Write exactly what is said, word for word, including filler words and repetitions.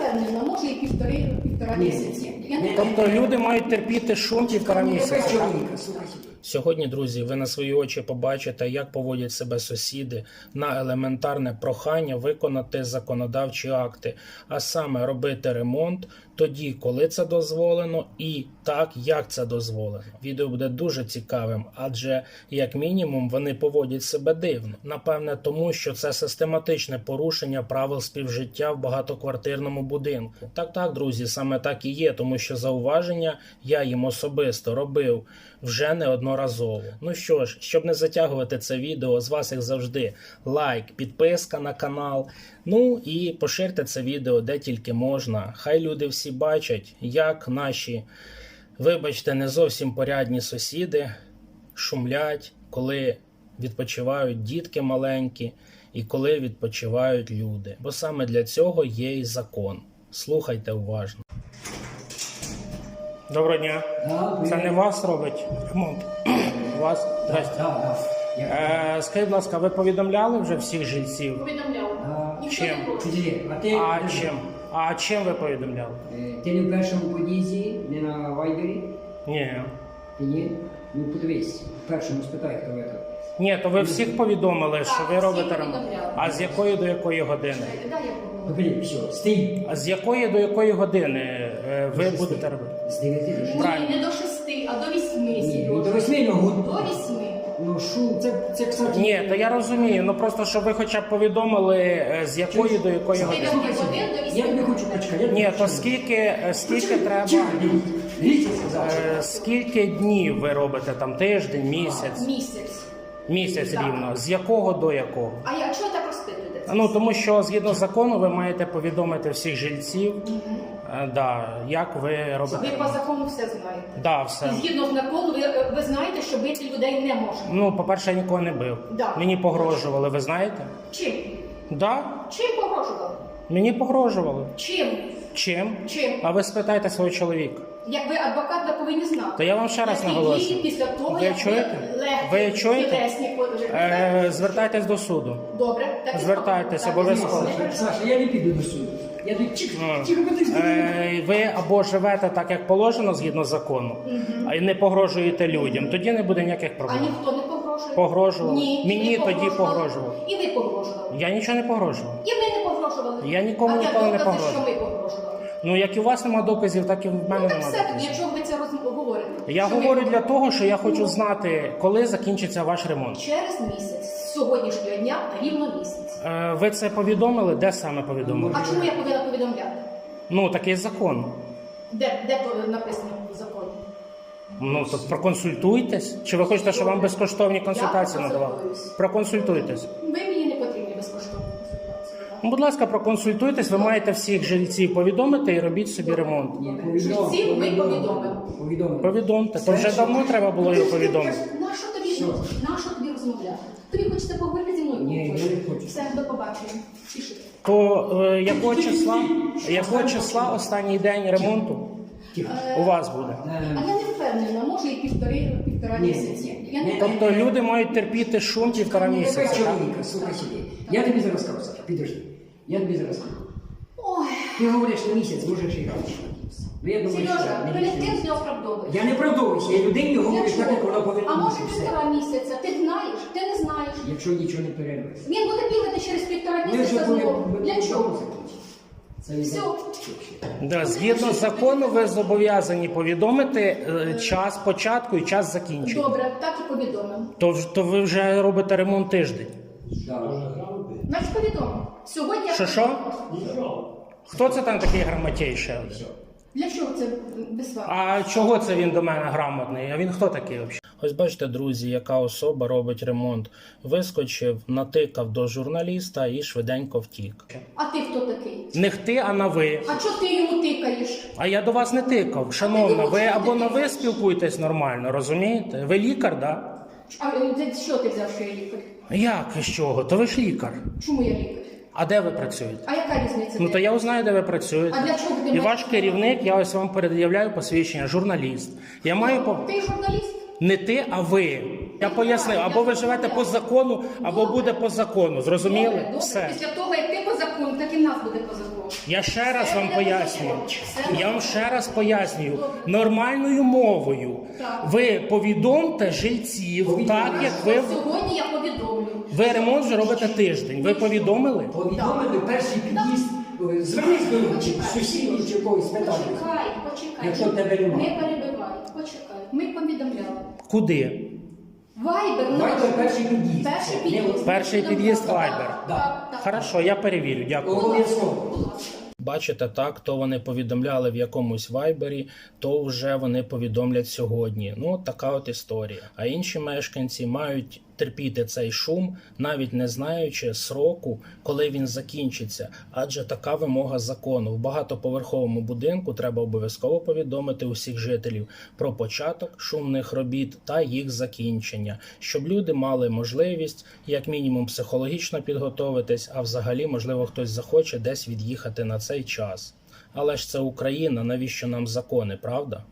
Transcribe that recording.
впевнена, може і півтори, півтора місяці. Я не Тобто люди мають терпіти шум півтора місяці. Чоловіка, Сьогодні, друзі, ви на свої очі побачите, як поводять себе сусіди на елементарне прохання виконати законодавчі акти, а саме робити ремонт тоді, коли це дозволено, і так, як це дозволено. Відео буде дуже цікавим, адже, як мінімум, вони поводять себе дивно. Напевне, тому, що це систематичне порушення правил співжиття в багатоквартирному будинку. Так-так, друзі, саме так і є, тому що зауваження я їм особисто робив вже неодноразово. Ну що ж, щоб не затягувати це відео, з вас, як завжди, лайк, підписка на канал, ну і поширте це відео де тільки можна. Хай люди всі бачать, як наші, вибачте, не зовсім порядні сусіди шумлять, коли відпочивають дітки маленькі і коли відпочивають люди. Бо саме для цього є і закон. Слухайте уважно. Доброго дня. Да, Це не вас робить ремонт? Вас? Здрасте. Да, да. Е, скажіть, будь ласка, ви повідомляли вже всіх жильців? повідомляла. А, Ніхто чим? не хоче. Підійди, а ти, А чим? А чим ви повідомляли? е, ти не в першому подізі, не на вайбері? Ні. Ти ні? Ну подивись, в першому спитай, хто ви. Ні, то ви всіх повідомили, що ви всіх робите ремонт. повідомляли. А з якої до якої години? Дай я поговорю. Ну блін, все, стій. А з якої до якої години е, ви будете робити? З дев'яти до шести. Правильно. Ні, не до шести, а до вісьми. Ні, ну, Сережа. до восьми, ну, гуд- До вісьми. Ну шум, це, це, кстати... Ні, то я розумію, ну просто щоб ви хоча б повідомили, е, з якої до якої З години. дев'яти годин до вісьми. Я не хочу почекати. я Ні, не то хочу. скільки, е, скільки треба, Чекай, дивіться, сказав. е, скільки днів ви робите там, тиждень, місяць? Місяць. Місяць Так. рівно. З якого до якого? А я чого так розпитуєте? це? Ну, тому що згідно закону ви маєте повідомити всіх жильців, е, да, як ви робите. Ви по закону все знаєте. Да, все. І згідно закону, ви, ви знаєте, що бити людей не можна. Ну, по-перше, я нікого не бив. Да. Мені погрожували, ви знаєте? Чим? Да, Чим погрожували? мені погрожували. Чим? Чим? Чим? А ви спитайте свого чоловіка. Як ви адвокат, ви повинні знати. То я вам ще раз Які наголошую. дії після того, Ви як чуєте? легкі, Ви чуєте? тілесні по- Е, звертайтесь до суду. Добре, так і Звертайтеся, зробимо. обов'язково. Так і зробимо. Саша, я не піду до суду. Я тут чик, Ну, чик, подивись. Е, ви або живете так, як положено, згідно закону, а й не погрожуєте людям, тоді не буде ніяких А проблем. ніхто не погрожує? Погрожував. Ні, Мені ви тоді погрожували. погрожував. І ви погрожували. Я нічого не погрожував. І ви не погрожували. Я нікому а де ніколи не докази, погрожував. що ви погрожували? Ну, як і у вас нема доказів, так і в мене Ну так нема все, тоді, доказів. якщо ви це роз- говорите. Я що говорю ви- для того, що я хочу знати, коли закінчиться ваш ремонт. Через місяць, з сьогоднішнього дня, рівно місяць. Е, ви це повідомили? Де саме повідомили? А чому я повинна повідомляти? Ну, такий закон. Де, де то написано в законі? Ну, то проконсультуйтесь. Чи ви хочете, щоб вам безкоштовні консультації Я надавали? консультуюсь. Проконсультуйтесь. Ви мені не потрібні безкоштовні консультації. да? Ну, будь ласка, проконсультуйтесь, ви маєте всіх жильців повідомити і робіть собі ремонт. Ні, повідомив, Жильців ви повідомив. повідомили. Повідомив. Повідомте, то вже давно треба було його повідомити. Нащо тобі, нащо тобі розмовляти? Тобі хочеться поговорити зі мною? Ні, я не хочу. Все, до побачення. Пішли. То е, якого числа, якого числа останній день ремонту у вас буде? А Е, я не впевнена, може і півтори, півтора Ні. місяці. Я не Ні. Тобто люди мають терпіти шум півтора Тебе місяця, так? чоловіка, слухай сюди. Я тобі зараз скажу, Саша, підожди. Я тобі зараз скажу. Ой, Ти говориш на місяць, можеш і грати. Ну, я думаю, Сережа, що ти не не більше. тим не оправдовуєш. Я не правдовуюся, я людині говорю Для так, як вона чого? повинна А може бути. Все. півтора місяця? Ти знаєш, ти не знаєш. Якщо нічого не перервеш. Він буде бігати через півтора Ми вже місяця були знову. Для чого? Це і Все. Да, згідно закону, ви зобов'язані повідомити е, час початку і час закінчення. Добре, так і повідомив. То, в- то ви вже робите ремонт тиждень. Значить повідомив. Сьогодні я... Що що? Хто це там такий грамотєй ще один? Для чого це без вас? А чого це він до мене грамотний? А він хто такий взагалі? Ось бачите, друзі, яка особа робить ремонт. Вискочив, натикав до журналіста і швиденько втік. А ти хто такий? Не ти, а на ви. А чого ти йому тикаєш? А я до вас не тикав. Шановна, ви або на ви спілкуєтесь нормально, розумієте? Ви лікар, да? А е, де- що ти взяв, що я лікар? Як і з чого? То ви ж лікар. Чому я лікар? А де ви працюєте? А яка різниця? Ну де? то я узнаю, де ви працюєте. А для чого ти І маєш- ваш керівник, я ось вам перед'являю посвідчення, журналіст. Я маю по... Ти журналіст? Не ти, а ви. Я пояснив, або ви живете по закону, або буде по закону. Зрозуміли? Добре, добре. Все. Після того, як ти по закону, так і в нас буде по закону. Я ще раз вам Все пояснюю. буде. Я вам ще раз пояснюю. Нормальною мовою. Так. Ви повідомте жильців, Повідомляю. так як ви, Сьогодні я повідомлю. ви ремонт вже робите тиждень. Ви повідомили? Повідомили перший під'їзд. е, Звернись до Почекай. сусідів чи когось питання. Почекай, почекай. Якщо тебе немає. Не перебивай, почекай. Ми повідомляли. Куди? Вайбер наш. Вайбер перший під'їзд. Перший Це під'їзд. не- Перший під'їзд Так, Вайбер. так, так. Хорошо, я перевірю. Дякую. Обов'язково. Будь ласка. Бачите, так, то вони повідомляли в якомусь вайбері, то вже вони повідомлять сьогодні. Ну, от така от історія. А інші мешканці мають терпіти цей шум, навіть не знаючи сроку, коли він закінчиться. Адже така вимога закону. В багатоповерховому будинку треба обов'язково повідомити усіх жителів про початок шумних робіт та їх закінчення, щоб люди мали можливість, як мінімум, психологічно підготовитись, а взагалі, можливо, хтось захоче десь від'їхати на цей час. Але ж це Україна, навіщо нам закони, правда?